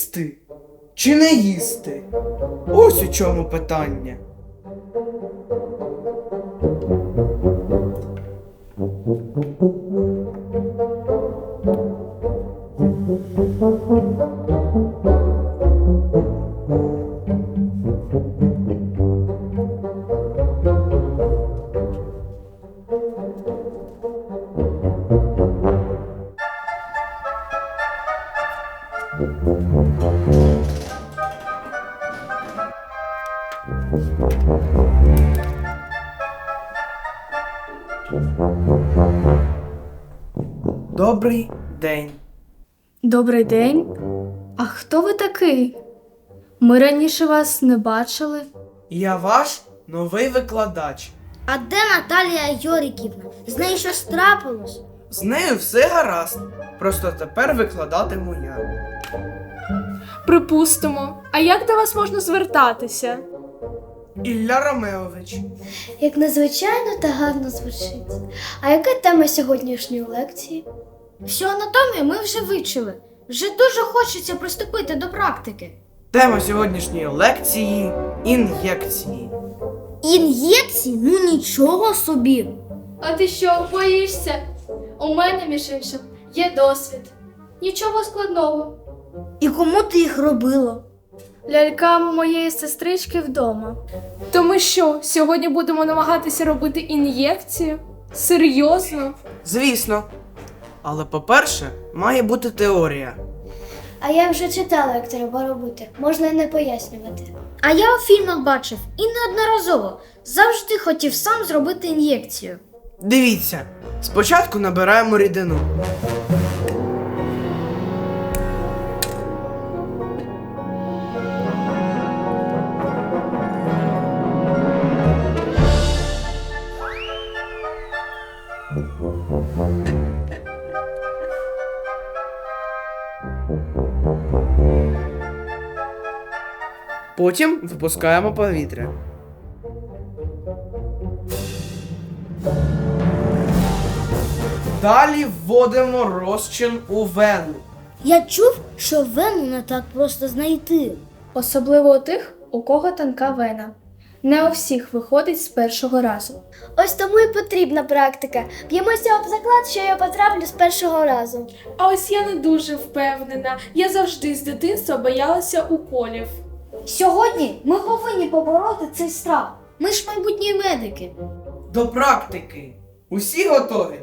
їсти чи не їсти? Ось у чому питання. Добрий день. Добрий день. А хто ви такий? Ми раніше вас не бачили. Я ваш новий викладач. А де Наталія Йоріківна? З нею щось трапилось? З нею все гаразд. Просто тепер викладатиму я. Припустимо. А як до вас можна звертатися? Ілля Ромеович. Як незвичайно та гарно звучить. А яка тема сьогоднішньої лекції? Всю анатомію ми вже вивчили. Вже дуже хочеться приступити до практики. Тема сьогоднішньої лекції – ін'єкції. Ін'єкції? Ну нічого собі. А ти що, боїшся? У мене, між іншим, є досвід. Нічого складного. І кому ти їх робила? Лялькам моєї сестрички вдома. То ми що, сьогодні будемо намагатися робити ін'єкцію? Серйозно? Звісно. Але, по-перше, має бути теорія. А я вже читала, як треба робити. Можна і не пояснювати. А я у фільмах бачив і неодноразово. Завжди хотів сам зробити ін'єкцію. Дивіться, спочатку набираємо рідину. Потім випускаємо повітря. Далі вводимо розчин у вену. Я чув, що вену не так просто знайти. Особливо у тих, у кого тонка вена. Не у всіх виходить з першого разу. Ось тому і потрібна практика. Б'ємося об заклад, що я потраплю з першого разу. А ось я не дуже впевнена. Я завжди з дитинства боялася уколів. Сьогодні ми повинні побороти цей страх. Ми ж майбутні медики. До практики. Усі готові?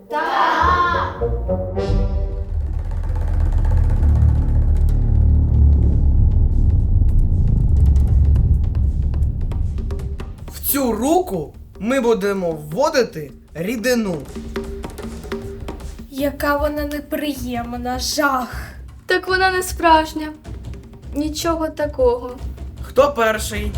В цю руку ми будемо вводити рідину. Яка вона неприємна, жах. Так вона не справжня. Нічого такого. Хто перший?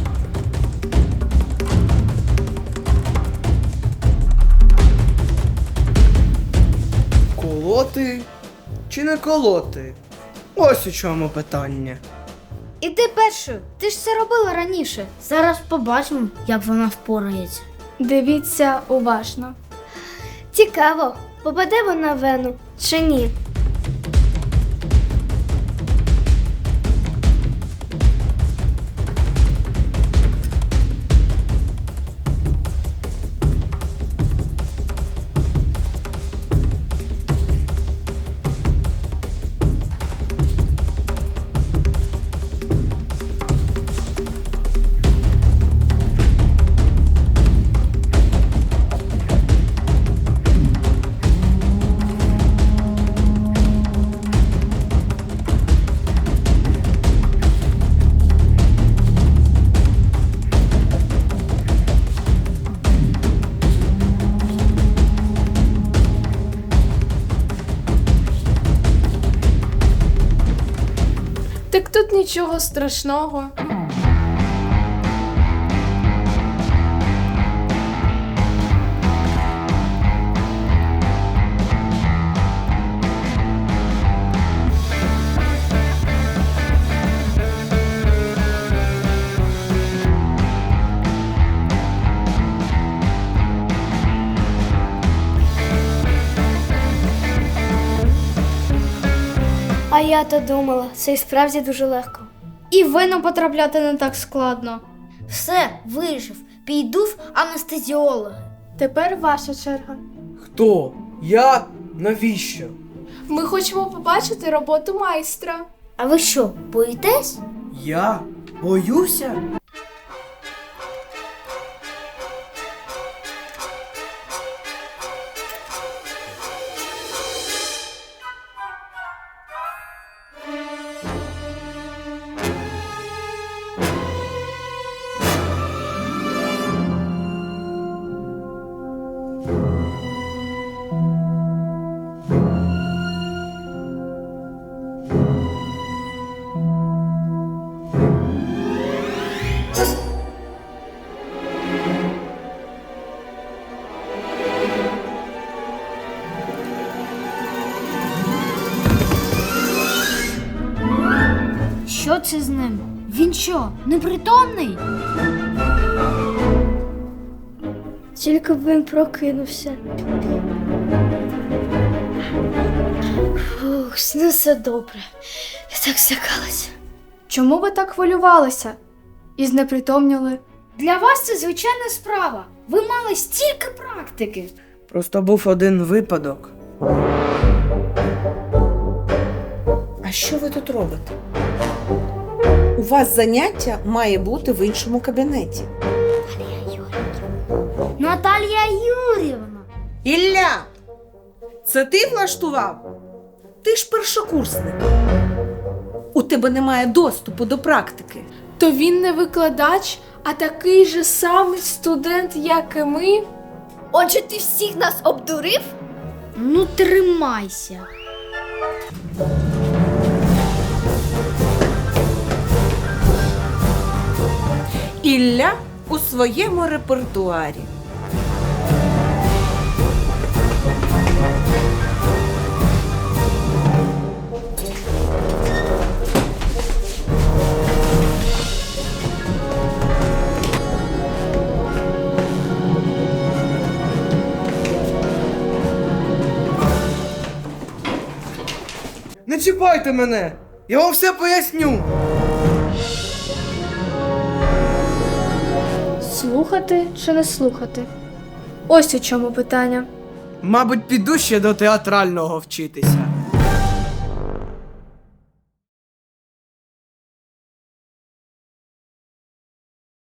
Колоти чи не колоти? Ось у чому питання. Іди першою, ти ж це робила раніше. Зараз побачимо, як вона впорається. Дивіться уважно. Цікаво, попаде вона в вену чи ні? Так тут нічого страшного. А я то думала, це і справді дуже легко. І в вену потрапляти не так складно. Все, вижив. Піду в анестезіологи. Тепер ваша черга. Хто? Я? Навіщо? Ми хочемо побачити роботу майстра. А ви що, боїтесь? Я? Боюся? Що це з ним? Він що, непритомний? Тільки б він прокинувся. Фух, з ним все добре. Я так злякалася. Чому ви так хвилювалися? І знепритомніли? Для вас це звичайна справа. Ви мали стільки практики. Просто був один випадок. А що ви тут робите? У вас заняття має бути в іншому кабінеті. Наталія Юрівна. Ілля! Це ти влаштував? Ти ж першокурсник. У тебе немає доступу до практики. То він не викладач, а такий же самий студент, як і ми. Отже, ти всіх нас обдурив? Ну, тримайся. Ілля у своєму репертуарі. Не чіпайте мене! Я вам все поясню! Слухати чи не слухати? Ось у чому питання. Мабуть, піду ще до театрального вчитися.